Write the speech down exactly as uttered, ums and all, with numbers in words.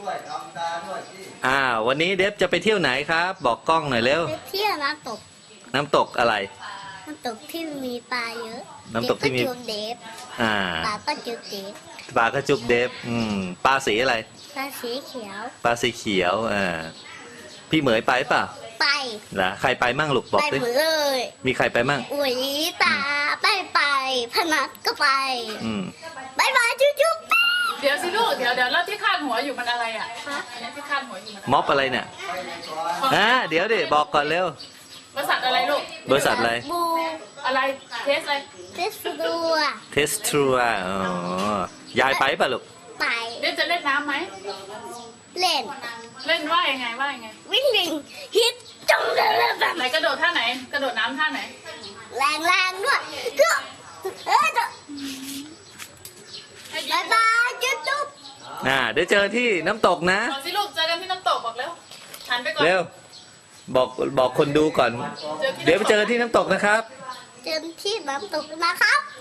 อ่าวันนี้เดฟจะไปเที่ยวไหนครับบอกกล้องหน่อยเร็วไปเที่ยวน้ำตกน้ำตกอะไรน้ำตกที่มีปลาเยอะน้ำตกที่มีเดฟอ่าปลาก็จุบเดฟปลากระจุบเดฟอืมปลาสีอะไรปลาสีเขียวปลาสีเขียวอ่าพี่เหมยไปเปล่าไปเหรอใครไปมั่งลูกบอกดิไปหมดเลยมีใครไปมั่งอุ๋ยตาไปไปพนัทก็ไปอืมบายบายจุ๊บจุ๊บเดี๋ยวสิลูกเดี๋ยวเดี๋ยวแล้วที่คาดหัวอยู่มันอะไรอ่ะอันนี้ที่คาดหัวอยู่มันม็อบอะไรเนี่ยอ่าเดี๋ยวดิบอกก่อนเร็วบริษัทอะไรลูกบริษัทอะไรบูอะไรเทสอะไรเทสตัวเทสทรูอ่ะอ๋อยายไปป่ะลูกไปเล่นจะเล่นน้ำไหมเล่นเล่นว่ายังไงว่ายังไงวิ่งวิ่งฮิตจังเลยแบบไหนกระโดดท่าไหนกระโดดน้ำท่าไหนแรงแรงด้วยก็เออจะบายบายจุ๊บจุ๊บอ่าเดี๋ยวเจอที่น้ำตกนะบอกสิลูกเจอกันที่น้ำตกบอกเร็วหันไปก่อนเร็วบอกบอกคนดูก่อนเดี๋ยวไปเจอที่น้ำตกนะครับเจอที่น้ำตกนะครับ